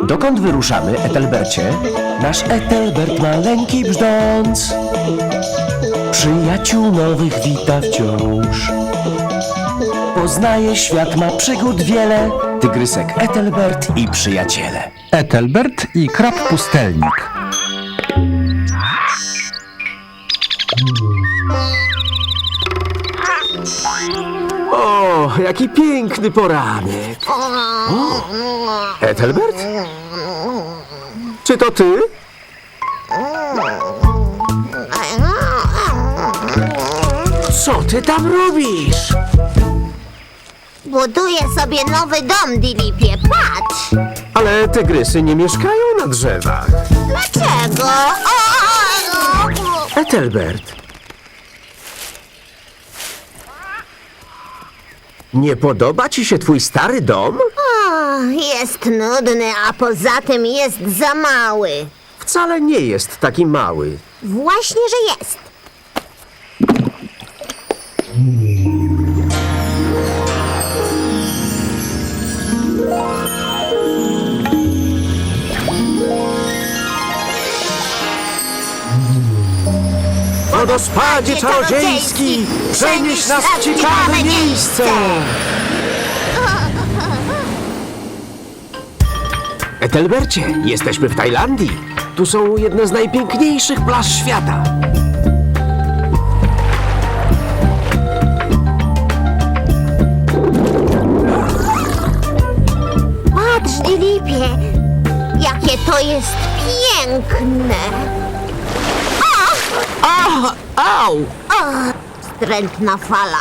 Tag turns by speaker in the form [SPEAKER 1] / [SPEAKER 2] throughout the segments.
[SPEAKER 1] Dokąd wyruszamy, Ethelbercie? Nasz Ethelbert maleńki brzdąc przyjaciół nowych wita wciąż. Poznaje świat, ma przygód wiele, tygrysek Ethelbert i przyjaciele.
[SPEAKER 2] Ethelbert i krab pustelnik.
[SPEAKER 1] O, jaki piękny poranek. O, Ethelbert? Czy to ty? Co ty tam robisz?
[SPEAKER 3] Buduję sobie nowy dom, Dilipie, patrz!
[SPEAKER 1] Ale tygrysy nie mieszkają na drzewach.
[SPEAKER 3] Dlaczego?
[SPEAKER 1] Ethelbert. Nie podoba ci się twój stary dom?
[SPEAKER 3] Jest nudny, a poza tym jest za mały.
[SPEAKER 1] Wcale nie jest taki mały.
[SPEAKER 3] Właśnie, że jest.
[SPEAKER 1] Wodospadzie czarodziejski, przenieś nas w ciekawe miejsce! Ethelbercie, jesteśmy w Tajlandii. Tu są jedne z najpiękniejszych plaż świata.
[SPEAKER 3] Patrz, Dilipie, jakie to jest piękne.
[SPEAKER 1] Au!
[SPEAKER 3] Wstrętna fala.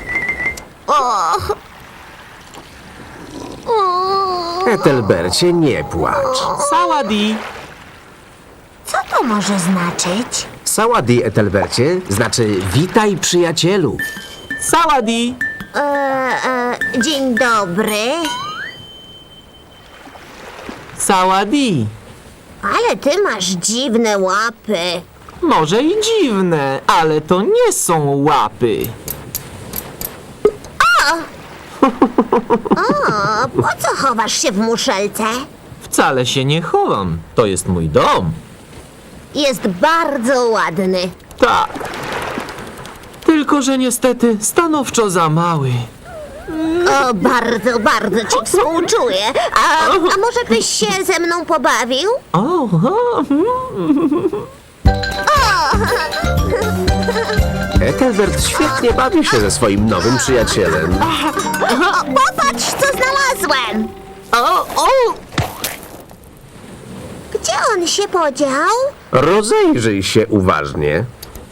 [SPEAKER 1] Ethelbercie, nie płacz.
[SPEAKER 4] Saładi!
[SPEAKER 3] Co to może znaczyć?
[SPEAKER 1] Saładi, Ethelbercie, znaczy witaj przyjacielu.
[SPEAKER 4] Saładi!
[SPEAKER 3] Dzień dobry.
[SPEAKER 4] Saładi!
[SPEAKER 3] Ale ty masz dziwne łapy.
[SPEAKER 4] Może i dziwne, ale to nie są łapy.
[SPEAKER 3] Po co chowasz się w muszelce?
[SPEAKER 4] Wcale się nie chowam. To jest mój dom.
[SPEAKER 3] Jest bardzo ładny.
[SPEAKER 4] Tak. Tylko, że niestety stanowczo za mały.
[SPEAKER 3] O, bardzo, bardzo ci współczuję. A może byś się ze mną pobawił?
[SPEAKER 1] Ethelbert świetnie bawi się ze swoim nowym przyjacielem.
[SPEAKER 3] Popatrz, co znalazłem! Gdzie on się podział?
[SPEAKER 1] Rozejrzyj się uważnie.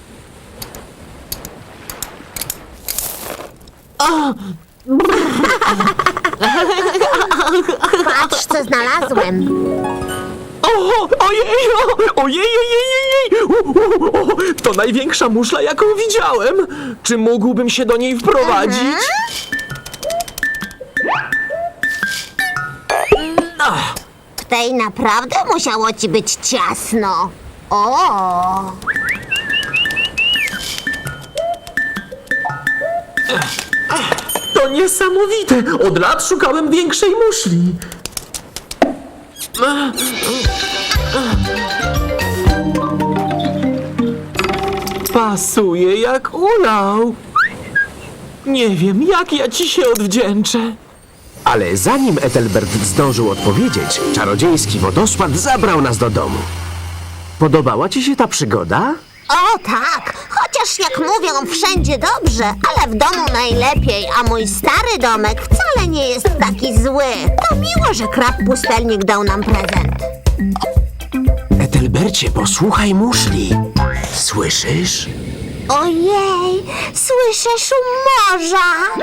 [SPEAKER 3] Patrz, co znalazłem.
[SPEAKER 4] Ojej! Ojej! To największa muszla, jaką widziałem. Czy mógłbym się do niej wprowadzić?
[SPEAKER 3] W tej naprawdę musiało ci być ciasno. O!
[SPEAKER 4] To niesamowite! Od lat szukałem większej muszli. Pasuje jak ulał. Nie wiem, jak ja ci się odwdzięczę.
[SPEAKER 1] Ale zanim Ethelbert zdążył odpowiedzieć, czarodziejski wodospad zabrał nas do domu. Podobała ci się ta przygoda?
[SPEAKER 3] O tak, chociaż jak mówią wszędzie dobrze, ale w domu najlepiej, a mój stary domek wcale nie jest taki zły. To miło, że krab pustelnik dał nam prezent.
[SPEAKER 1] Ethelbercie, posłuchaj muszli. Słyszysz?
[SPEAKER 3] Ojej, słyszę szum morza.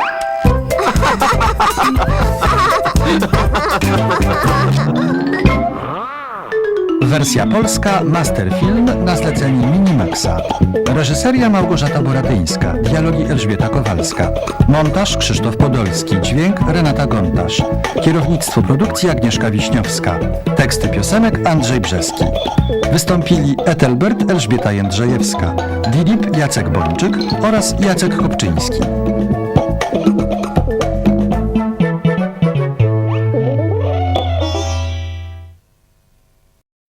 [SPEAKER 2] Wersja polska Masterfilm na zlecenie Minimaxa. Reżyseria Małgorzata Boratyńska. Dialogi Elżbieta Kowalska. Montaż Krzysztof Podolski. Dźwięk Renata Gontarz. Kierownictwo produkcji Agnieszka Wiśniowska. Teksty piosenek Andrzej Brzeski. Wystąpili Ethelbert Elżbieta Jędrzejewska, Dilip Jacek Bończyk oraz Jacek Kopczyński.